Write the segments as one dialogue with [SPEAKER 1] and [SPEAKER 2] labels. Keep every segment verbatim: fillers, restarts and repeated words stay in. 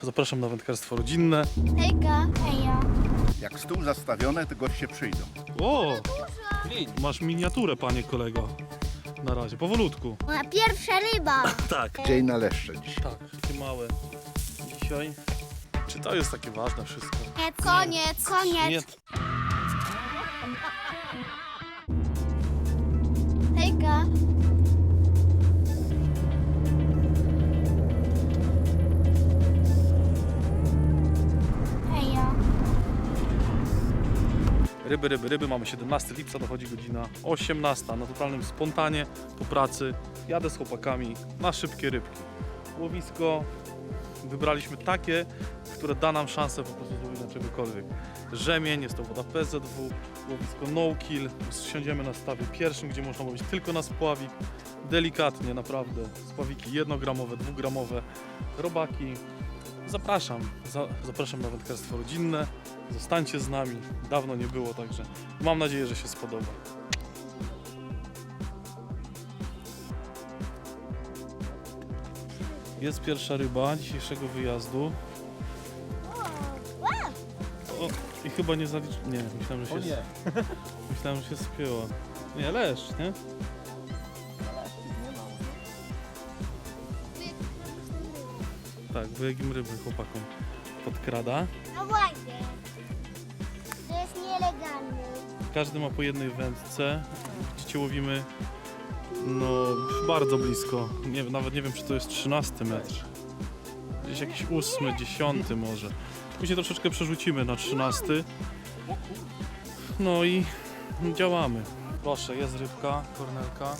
[SPEAKER 1] Zapraszam na wędkarstwo rodzinne.
[SPEAKER 2] Hejka. Hejo.
[SPEAKER 3] Jak stół zastawione, to goście przyjdą.
[SPEAKER 1] O! Masz miniaturę, panie kolego. Na razie, powolutku.
[SPEAKER 2] Moja pierwsza ryba.
[SPEAKER 1] Tak.
[SPEAKER 3] Dzień na leszcze dzisiaj.
[SPEAKER 1] Tak, takie małe dzisiaj. Czy to jest takie ważne wszystko?
[SPEAKER 2] Koniec. Koniec.
[SPEAKER 1] Nie.
[SPEAKER 2] Hejka. Hejo.
[SPEAKER 1] Ryby, ryby, ryby. Mamy siedemnastego lipca, dochodzi godzina osiemnasta. Na totalnym spontanie po pracy jadę z chłopakami na szybkie rybki. Łowisko wybraliśmy takie, które da nam szansę po prostu złowić czegokolwiek. Rzemień, jest to woda P Z W, łowisko no kill. Siądziemy na stawie pierwszym, gdzie można łowić tylko na spławik. Delikatnie, naprawdę. Spławiki jednogramowe, dwugramowe, robaki. Zapraszam, za, zapraszam na wędkarstwo rodzinne. Zostańcie z nami. Dawno nie było, także mam nadzieję, że się spodoba. Jest pierwsza ryba dzisiejszego wyjazdu. O, i chyba nie zalicz... Nie, myślałem, że się...
[SPEAKER 4] nie.
[SPEAKER 1] Myślałem, że się spięła. Nie, leszcz, nie? Tak, wyjegim ryby chłopakom podkrada.
[SPEAKER 2] No właśnie. To jest nielegalne.
[SPEAKER 1] Każdy ma po jednej wędce. Widzicie, łowimy no bardzo blisko. Nie, nawet nie wiem, czy to jest trzynasty metr. Gdzieś jakiś ósmy, dziesiąty może. Później troszeczkę przerzucimy na trzynasty. No i działamy. Proszę, jest rybka, kornelka.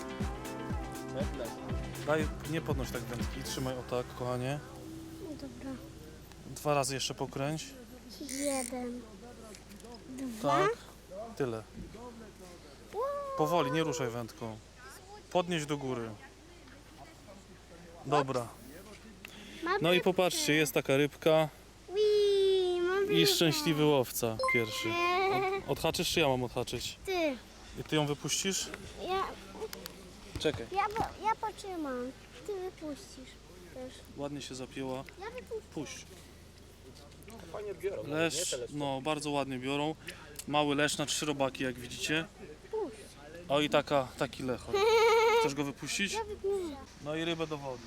[SPEAKER 1] Daj, nie podnoś tak wędki, trzymaj o tak, kochanie.
[SPEAKER 2] Dobra.
[SPEAKER 1] Dwa razy jeszcze pokręć.
[SPEAKER 2] Jeden. Dwa.
[SPEAKER 1] Tak. Tyle. Powoli, nie ruszaj wędką. Podnieś do góry. Dobra. No i popatrzcie, jest taka rybka
[SPEAKER 2] Wii, mam
[SPEAKER 1] i
[SPEAKER 2] rybę.
[SPEAKER 1] szczęśliwy łowca pierwszy.
[SPEAKER 2] Eee,
[SPEAKER 1] Odhaczysz czy ja mam odhaczyć?
[SPEAKER 2] Ty.
[SPEAKER 1] I ty ją wypuścisz?
[SPEAKER 2] Ja,
[SPEAKER 1] Czekaj.
[SPEAKER 2] ja, po- ja potrzymam. Ty wypuścisz też.
[SPEAKER 1] Ładnie się zapięła.
[SPEAKER 2] Ja wypuszczę.
[SPEAKER 1] Puść.
[SPEAKER 4] Fajnie biorą.
[SPEAKER 1] Leszcz, no bardzo ładnie biorą. Mały leszcz na trzy robaki, jak widzicie. O i taka, taki lechor. Chcesz go wypuścić?
[SPEAKER 2] Ja wypuszczę.
[SPEAKER 1] No i rybę do wody.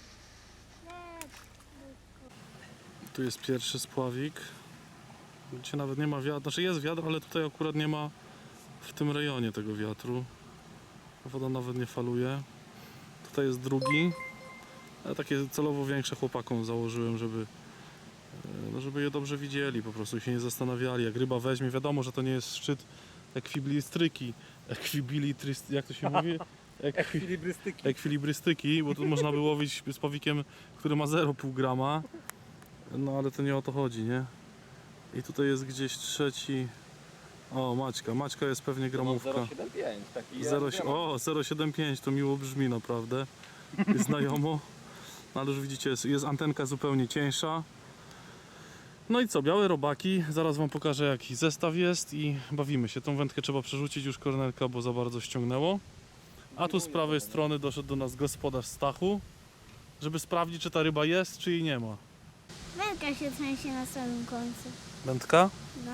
[SPEAKER 1] Tu jest pierwszy spławik. Gdzie nawet nie ma wiatru. Znaczy jest wiatr, ale tutaj akurat nie ma w tym rejonie tego wiatru. Woda nawet nie faluje. Tutaj jest drugi. Ale takie celowo większe chłopakom założyłem, żeby, no żeby je dobrze widzieli, po prostu się nie zastanawiali. Jak ryba weźmie, wiadomo, że to nie jest szczyt ekwibilistryki. Ekwibilistryki, jak to się mówi? Ekwi...
[SPEAKER 4] Ekwilibrystyki.
[SPEAKER 1] Ekwilibrystyki, bo tu można by łowić z powikiem, który ma zero przecinek pięć grama. No ale to nie o to chodzi, nie? I tutaj jest gdzieś trzeci. O, Maćka. Maćka jest pewnie gramówka.
[SPEAKER 4] zero siedem pięć. Taki
[SPEAKER 1] zero, o, zero siedem pięć to miło brzmi naprawdę. Jest znajomo. No, ale już widzicie, jest, jest antenka zupełnie cieńsza. No i co, białe robaki. Zaraz wam pokażę, jaki zestaw jest i bawimy się. Tą wędkę trzeba przerzucić już, kornelka, bo za bardzo ściągnęło. A tu z prawej strony doszedł do nas gospodarz Stachu, żeby sprawdzić, czy ta ryba jest, czy jej nie ma.
[SPEAKER 2] Wędka się trzęsie na samym końcu.
[SPEAKER 1] Wędka?
[SPEAKER 2] No.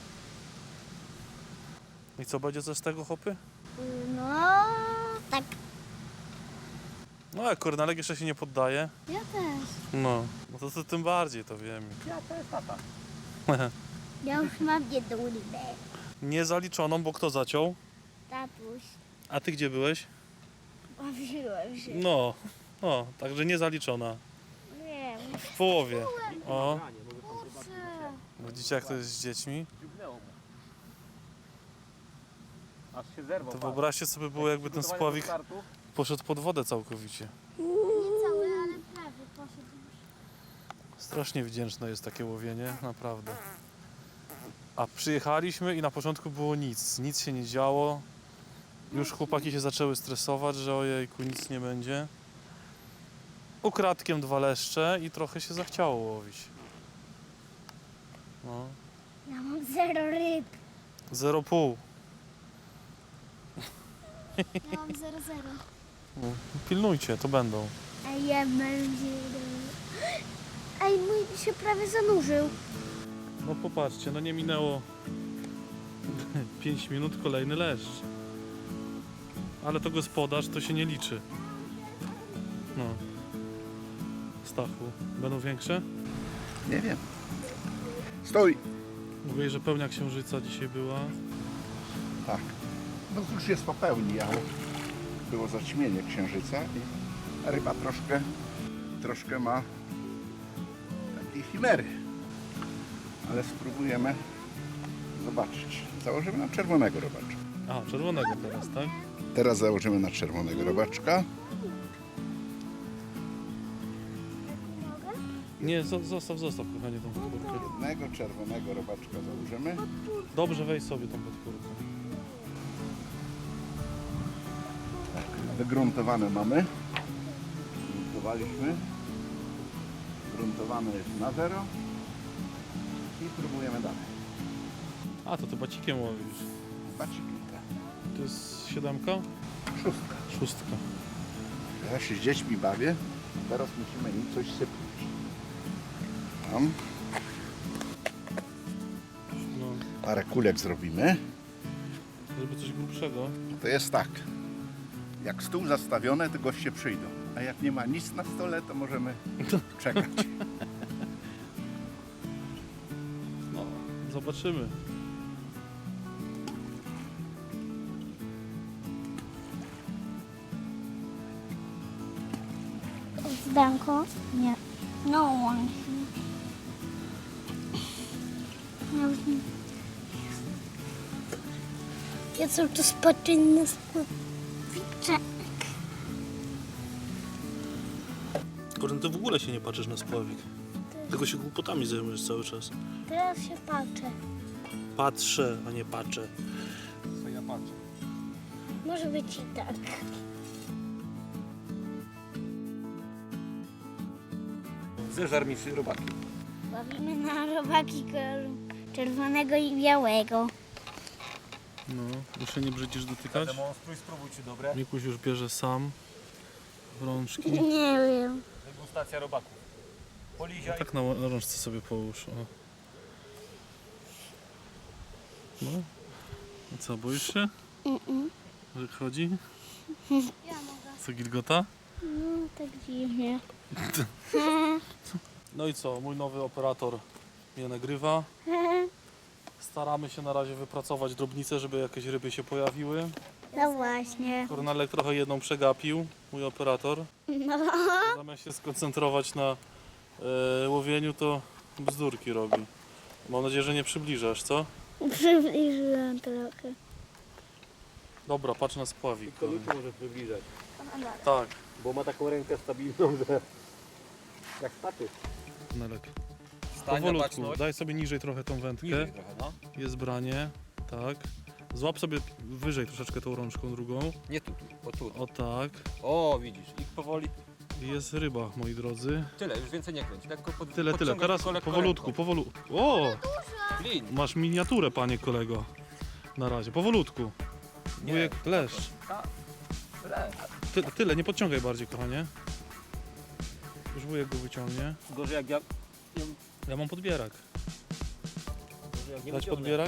[SPEAKER 1] I co będzie coś z tego, chłopy?
[SPEAKER 2] Y, No. Tak.
[SPEAKER 1] No jak kornelek jeszcze się nie poddaje.
[SPEAKER 2] Ja też.
[SPEAKER 1] No, no to, to tym bardziej to wiem.
[SPEAKER 4] Ja to jest tata.
[SPEAKER 2] Ja już mam jedną rybę.
[SPEAKER 1] Niezaliczoną, bo kto zaciął?
[SPEAKER 2] Tatuś.
[SPEAKER 1] A ty gdzie byłeś?
[SPEAKER 2] Bawiłem się.
[SPEAKER 1] No, o, także niezaliczona.
[SPEAKER 2] Wiem.
[SPEAKER 1] W połowie. O,
[SPEAKER 2] Kurczę.
[SPEAKER 1] widzicie jak to jest z dziećmi?
[SPEAKER 4] Dziubnęło mu. Aż się zerwał.
[SPEAKER 1] To wyobraźcie sobie było, jakby ten spławik poszedł pod wodę całkowicie.
[SPEAKER 2] Nie cały, ale prawie poszedł już.
[SPEAKER 1] Strasznie wdzięczne jest takie łowienie, naprawdę. A przyjechaliśmy i na początku było nic, nic się nie działo. Już chłopaki się zaczęły stresować, że ojejku, nic nie będzie. Ukradkiem dwa leszcze i trochę się zachciało łowić. No,
[SPEAKER 2] Ja mam zero ryb.
[SPEAKER 1] zero pół.
[SPEAKER 2] Ja mam zero zero.
[SPEAKER 1] Pilnujcie, to będą.
[SPEAKER 2] A ja mam zero. Ej, mój się prawie zanurzył.
[SPEAKER 1] No popatrzcie, no nie minęło pięć minut, kolejny leszcz. Ale to gospodarz, to się nie liczy. No. Stachu, będą większe?
[SPEAKER 3] Nie wiem. Stój!
[SPEAKER 1] Mówię, że pełnia księżyca dzisiaj była.
[SPEAKER 3] Tak. No już jest po pełni, ale było zaćmienie księżyca i ryba troszkę, troszkę ma takiej chimery. Ale spróbujemy zobaczyć. Założymy na czerwonego robaczka.
[SPEAKER 1] A, czerwonego teraz, tak?
[SPEAKER 3] Teraz założymy na czerwonego robaczka.
[SPEAKER 1] Nie, zo- zostaw, zostaw, kochanie, tą podpórkę.
[SPEAKER 3] Jednego czerwonego robaczka założymy.
[SPEAKER 1] Dobrze, weź sobie tą podpórkę.
[SPEAKER 3] Wygruntowane mamy. Gruntowaliśmy. Gruntowane jest na zero. I próbujemy dalej.
[SPEAKER 1] A, to ty bacikiem łowisz.
[SPEAKER 3] Baciki. tak.
[SPEAKER 1] To jest siódemka?
[SPEAKER 3] Szóstka.
[SPEAKER 1] Szóstka.
[SPEAKER 3] Ja się z dziećmi bawię. Teraz musimy im coś sypnąć. Tam.
[SPEAKER 1] No,
[SPEAKER 3] Parę kulek zrobimy.
[SPEAKER 1] żeby coś grubszego.
[SPEAKER 3] To jest tak. Jak stół zastawiony, to goście przyjdą. A jak nie ma nic na stole, to możemy czekać.
[SPEAKER 1] No, zobaczymy.
[SPEAKER 2] Zdanko? Nie. No one. Ja już nie. Ja cały czas patrzę na spławicze.
[SPEAKER 1] Kurde, ty w ogóle się nie patrzysz na spławik. Tylko się głupotami zajmujesz cały czas.
[SPEAKER 2] Teraz się patrzę.
[SPEAKER 1] Patrzę, a nie patrzę.
[SPEAKER 4] Co ja patrzę?
[SPEAKER 2] Może być i tak.
[SPEAKER 4] Zeżar mi trzy robaki.
[SPEAKER 2] Bawimy na robaki koloru czerwonego i białego.
[SPEAKER 1] No, już się nie brzydzisz dotykać.
[SPEAKER 4] Demonstruj, spróbuj czy dobre.
[SPEAKER 1] Mikuś już bierze sam w rączki.
[SPEAKER 2] Nie wiem.
[SPEAKER 4] Degustacja robaków. Polizia
[SPEAKER 1] Tak na, na rączce sobie połóż. O. No. I co, boisz się?
[SPEAKER 2] Mm-mm.
[SPEAKER 1] Że chodzi?
[SPEAKER 2] Ja mogę.
[SPEAKER 1] Co, gilgota?
[SPEAKER 2] No, tak dziwnie.
[SPEAKER 1] No i co, mój nowy operator mnie nagrywa. Staramy się na razie wypracować drobnice, żeby jakieś ryby się pojawiły.
[SPEAKER 2] No właśnie.
[SPEAKER 1] Kornelek trochę jedną przegapił, mój operator.
[SPEAKER 2] No.
[SPEAKER 1] Zamiast się skoncentrować na e, łowieniu, to bzdurki robi. Mam nadzieję, że nie przybliżasz, co?
[SPEAKER 2] Przybliżyłam trochę.
[SPEAKER 1] Dobra, patrz na spławik.
[SPEAKER 4] Kolutu może przybliżać,
[SPEAKER 1] Tak,
[SPEAKER 4] bo ma taką rękę stabilną, że jak staty.
[SPEAKER 1] Kornelek.
[SPEAKER 4] Stań na
[SPEAKER 1] Powolutku,
[SPEAKER 4] baczność.
[SPEAKER 1] daj sobie niżej trochę tą wędkę.
[SPEAKER 4] Niżej trochę, no.
[SPEAKER 1] Jest branie, tak. Złap sobie wyżej troszeczkę tą rączką drugą.
[SPEAKER 4] Nie tu, tu, o tu.
[SPEAKER 1] O tak.
[SPEAKER 4] O, widzisz. I powoli.
[SPEAKER 1] I jest ryba, moi drodzy.
[SPEAKER 4] Tyle, już więcej nie kręć. Tak go pod,
[SPEAKER 1] Tyle, tyle.
[SPEAKER 4] podciągaj
[SPEAKER 1] Teraz
[SPEAKER 4] tylko lekko
[SPEAKER 1] powolutku,
[SPEAKER 4] ręką.
[SPEAKER 1] powolutku. O!
[SPEAKER 4] Klin.
[SPEAKER 1] Masz miniaturę, panie kolego. Na razie, powolutku.
[SPEAKER 4] Nie.
[SPEAKER 1] Wujek, leszcz.
[SPEAKER 4] Ta. Le.
[SPEAKER 1] Ty, tyle, nie podciągaj bardziej, kochanie. Już wujek go wyciągnie.
[SPEAKER 4] Gorzej jak ja... nie-
[SPEAKER 1] Ja mam podbierak.
[SPEAKER 4] Gorzej jak nie
[SPEAKER 1] Dać
[SPEAKER 4] wyciągnę.
[SPEAKER 1] podbierak?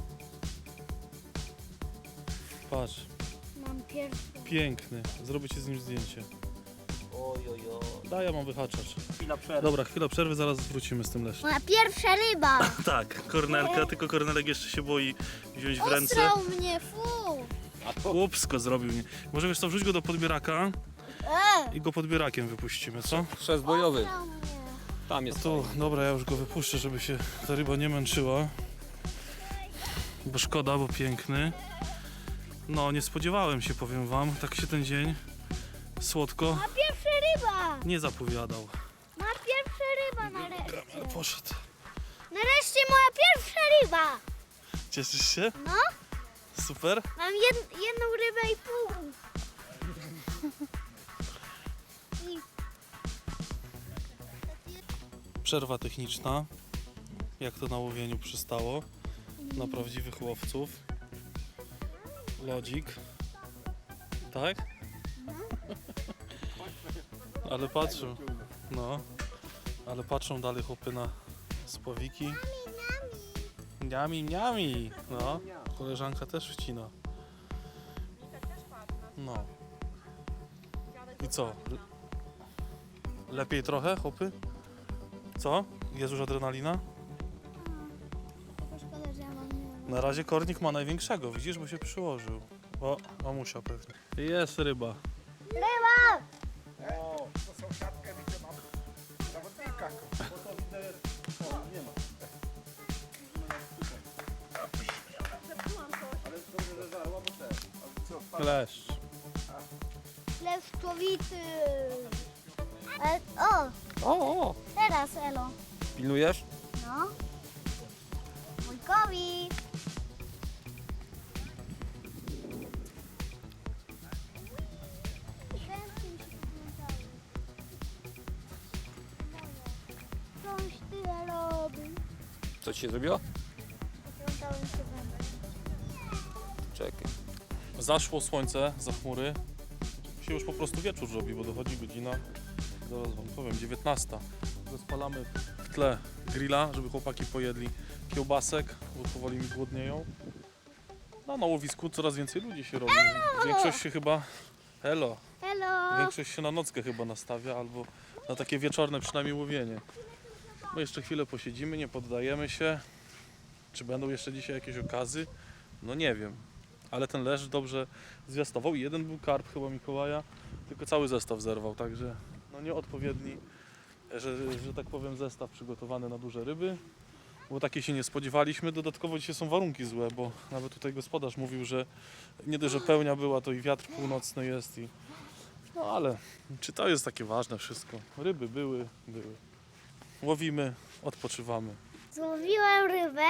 [SPEAKER 1] Patrz,
[SPEAKER 2] Mam pierwszy.
[SPEAKER 1] piękny. Zrobię ci z nim zdjęcie.
[SPEAKER 4] Oj, oj, oj.
[SPEAKER 1] Daj, ja mam wyhaczacz.
[SPEAKER 4] Chwila przerwy.
[SPEAKER 1] Dobra, chwila przerwy, zaraz wrócimy z tym leszczem.
[SPEAKER 2] Moja pierwsza ryba.
[SPEAKER 1] Tak, Kornelka, tylko Kornelek jeszcze się boi wziąć w ręce.
[SPEAKER 2] Ostrał mnie, fu.
[SPEAKER 4] A to
[SPEAKER 1] Głupsko zrobił. Nie. Może wiesz co, wrzuć go do podbieraka
[SPEAKER 2] E,
[SPEAKER 1] i go podbierakiem wypuścimy, co?
[SPEAKER 4] chrzest bojowy.
[SPEAKER 2] ostrał mnie.
[SPEAKER 4] Tam jest.
[SPEAKER 1] To dobra, ja już go wypuszczę, żeby się ta ryba nie męczyła. Bo szkoda, bo piękny. No, nie spodziewałem się, powiem wam, tak się ten dzień słodko
[SPEAKER 2] Ma pierwsza ryba.
[SPEAKER 1] nie zapowiadał.
[SPEAKER 2] Ma pierwsza ryba nareszcie.
[SPEAKER 1] Poszedł.
[SPEAKER 2] Nareszcie moja pierwsza ryba.
[SPEAKER 1] Cieszysz się?
[SPEAKER 2] No,
[SPEAKER 1] Super.
[SPEAKER 2] mam jed, jedną rybę i pół. I
[SPEAKER 1] Przerwa techniczna. Jak to na łowieniu przystało. Na prawdziwych łowców. Lodzik. Tak? Ale patrzył. No. Ale patrzą dalej chłopy na spławiki. Niami, niami. No, koleżanka też wcina. No. I co? Le- Lepiej trochę, chłopy? Co? Jest już adrenalina?
[SPEAKER 2] Szkoda, że ja mam nie.
[SPEAKER 1] Na razie kornik ma największego, widzisz, bo się przyłożył. O, mamusia pewnie. Jest ryba.
[SPEAKER 2] Ryba!
[SPEAKER 3] O, to sąsiadkę widzę, mam zawodnika.
[SPEAKER 1] Kleszcz.
[SPEAKER 2] Leszczowity. E, o,
[SPEAKER 1] O, o.
[SPEAKER 2] teraz Elo.
[SPEAKER 1] Pilnujesz?
[SPEAKER 2] No. Wujkowi. Chętnie mi się podglądały. Coś ty robi.
[SPEAKER 5] Co ci się zrobiło?
[SPEAKER 2] Podglądałem się będę.
[SPEAKER 5] Czekaj.
[SPEAKER 1] Zaszło słońce za chmury. Się już po prostu wieczór robi, bo dochodzi godzina, zaraz wam powiem, dziewiętnasta. Rozpalamy w tle grilla, żeby chłopaki pojedli kiełbasek, bo powoli mi głodnieją. No, na łowisku coraz więcej ludzi się robi. Większość się chyba... Elo.
[SPEAKER 2] Hello.
[SPEAKER 1] Większość się na nockę chyba nastawia, albo na takie wieczorne przynajmniej łowienie. My jeszcze chwilę posiedzimy, nie poddajemy się. Czy będą jeszcze dzisiaj jakieś okazy? No nie wiem. Ale ten leszcz dobrze zwiastował i jeden był karp chyba Mikołaja, tylko cały zestaw zerwał, także no nieodpowiedni, że, że tak powiem, zestaw przygotowany na duże ryby, bo takiej się nie spodziewaliśmy. Dodatkowo dzisiaj są warunki złe, bo nawet tutaj gospodarz mówił, że nie dość, że pełnia była, to i wiatr północny jest i no ale czy to jest takie ważne wszystko? Ryby były, były. Łowimy, odpoczywamy.
[SPEAKER 2] Złowiłem rybę.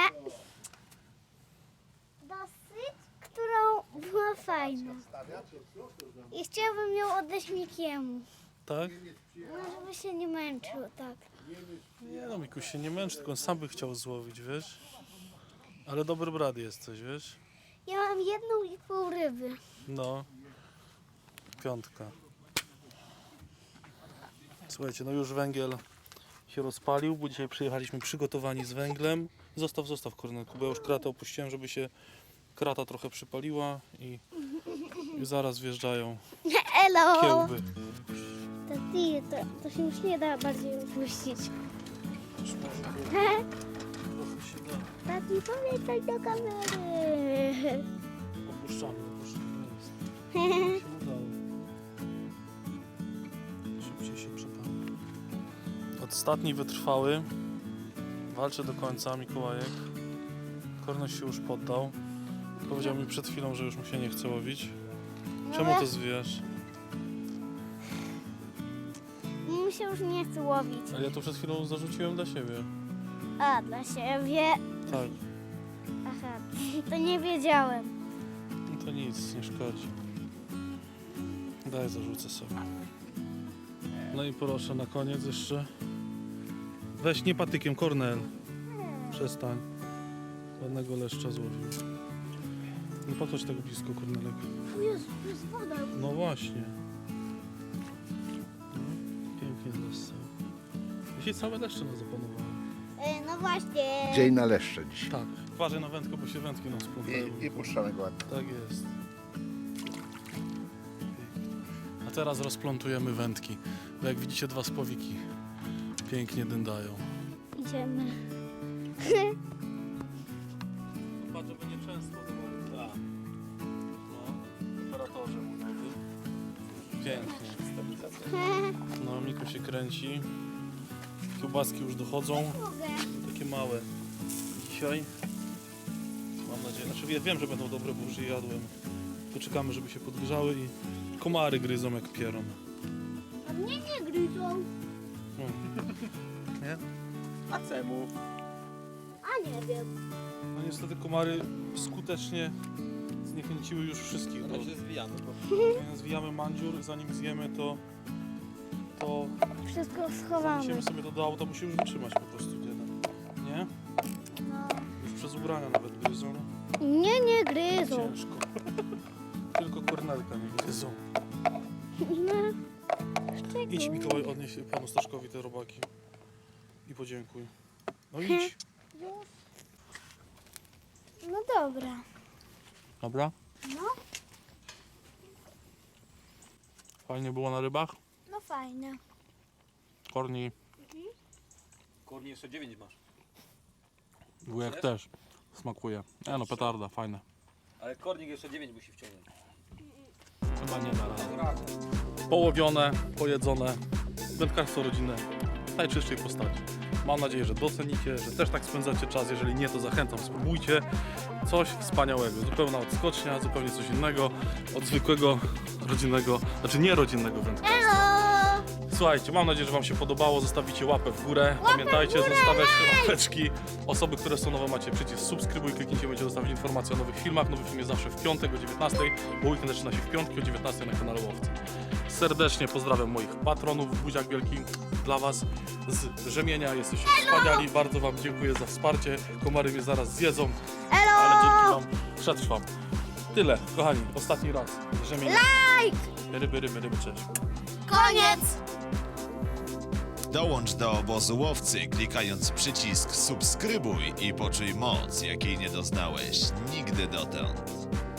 [SPEAKER 2] Dosyć, którą była fajna. I chciałbym ją oddać Mikiemu.
[SPEAKER 1] Tak?
[SPEAKER 2] No, żeby się nie męczył, tak.
[SPEAKER 1] Nie no, Mikuś się nie męczy, tylko on sam by chciał złowić, wiesz? Ale dobry brat jesteś, wiesz?
[SPEAKER 2] Ja mam jedną i pół ryby.
[SPEAKER 1] No. Piątka. Słuchajcie, no już węgiel się rozpalił, bo dzisiaj przyjechaliśmy przygotowani z węglem. Zostaw, zostaw Kornelku, bo ja już kratę opuściłem, żeby się krata trochę przypaliła i, i zaraz wjeżdżają
[SPEAKER 2] Elo!
[SPEAKER 1] kiełby.
[SPEAKER 2] To ty, to, to się już nie da bardziej upuścić.
[SPEAKER 1] Trochę się da.
[SPEAKER 2] Tati, powiedz coś do kamery.
[SPEAKER 1] Opuszczamy, opuszczamy. Jest. Się udało. Szybciej się przepali. Ostatni wytrwały. Walczy do końca Mikołajek. Korneś się już poddał. Powiedział mi przed chwilą, że już mu się nie chce łowić. Czemu to zwijasz?
[SPEAKER 2] Mi się już nie chce łowić.
[SPEAKER 1] Ale ja to przed chwilą zarzuciłem dla siebie.
[SPEAKER 2] A, dla siebie.
[SPEAKER 1] Tak.
[SPEAKER 2] Aha, to nie wiedziałem.
[SPEAKER 1] No to nic, nie szkodzi. Daj, zarzucę sobie. No i proszę, na koniec jeszcze. Weź nie patykiem, Kornel. Przestań. Ładnego leszcza złowił. Nie podchodź tak blisko, Kornelek.
[SPEAKER 2] Tu jest, tu jest woda.
[SPEAKER 1] No właśnie. No, pięknie leszcza. Dzisiaj całe leszcze nas zapanowały.
[SPEAKER 2] E, no właśnie.
[SPEAKER 3] Dzień na leszcze dzisiaj.
[SPEAKER 1] Tak. Uważaj na wędkę, bo się wędki nam splątają.
[SPEAKER 3] I, i puszczamy go ładnie.
[SPEAKER 1] Tak jest. A teraz rozplątujemy wędki. Bo jak widzicie, dwa spławiki pięknie dędają.
[SPEAKER 2] Idziemy.
[SPEAKER 1] Patrz, żeby nie często do tak. No, operatorze mówiowy. Pięknie. No, Miku się kręci. Kiełbaski już dochodzą.
[SPEAKER 2] Mogę.
[SPEAKER 1] Takie małe. Dzisiaj. Mam nadzieję. Znaczy ja wiem, że będą dobre, bo już je jadłem. Poczekamy, żeby się podgrzały i komary gryzą jak pieron.
[SPEAKER 2] A mnie nie gryzą.
[SPEAKER 1] No. Nie?
[SPEAKER 5] A czemu?
[SPEAKER 2] A nie wiem.
[SPEAKER 1] No niestety komary skutecznie zniechęciły już wszystkich. Bo
[SPEAKER 5] One się zwijane. Bo...
[SPEAKER 1] jak zwijamy mandziur, zanim zjemy to, to
[SPEAKER 2] Wszystko schowamy.
[SPEAKER 1] musimy sobie to do auta, musi już wytrzymać po prostu jeden. Nie?
[SPEAKER 2] No.
[SPEAKER 1] Już przez ubrania nawet gryzą.
[SPEAKER 2] Nie, nie gryzą.
[SPEAKER 1] Ciężko. Tylko Kornelka nie gryzą.
[SPEAKER 2] No.
[SPEAKER 1] Idź Mikołaj, odnieś panu Staszkowi te robaki. podziękuj. No idź.
[SPEAKER 2] No dobra.
[SPEAKER 1] Dobra?
[SPEAKER 2] No,
[SPEAKER 1] Fajnie było na rybach?
[SPEAKER 2] no fajne.
[SPEAKER 1] Korni,
[SPEAKER 5] Korni jeszcze dziewięć masz.
[SPEAKER 1] wujek
[SPEAKER 5] Chcesz?
[SPEAKER 1] też. Smakuje. E no, petarda, fajne.
[SPEAKER 5] Ale kornik jeszcze dziewięć musi wciągnąć.
[SPEAKER 1] Chyba nie da rady.
[SPEAKER 5] Radę.
[SPEAKER 1] Połowione, pojedzone, wędkarstwo rodzinne w najczystszej postaci. Mam nadzieję, że docenicie, że też tak spędzacie czas. Jeżeli nie, to zachęcam, spróbujcie. Coś wspaniałego, zupełna odskocznia, zupełnie coś innego od zwykłego rodzinnego, znaczy nie rodzinnego wędkarstwa.
[SPEAKER 2] Hello!
[SPEAKER 1] Słuchajcie, mam nadzieję, że Wam się podobało. Zostawicie łapę w górę. Pamiętajcie, zostawiać łapeczki. Osoby, które są nowe, macie przycisk subskrybuj, kliknijcie, będziecie dostawać informacje o nowych filmach. Nowy film jest zawsze w piątek o dziewiętnastej, bo weekend zaczyna się w piątki o dziewiętnastej na kanale Łowcy. Serdecznie pozdrawiam moich patronów. Buziak wielki dla Was z Rzemienia. Jesteście wspaniali. Bardzo Wam dziękuję za wsparcie. Komary mnie zaraz zjedzą, ale dzięki Wam przetrwam. Tyle, kochani. Ostatni raz. Rzemienia.
[SPEAKER 2] Like!
[SPEAKER 1] Ryby, ryby, ryby, cześć.
[SPEAKER 2] Koniec!
[SPEAKER 6] Dołącz do obozu łowcy, klikając przycisk subskrybuj i poczuj moc, jakiej nie doznałeś nigdy dotąd.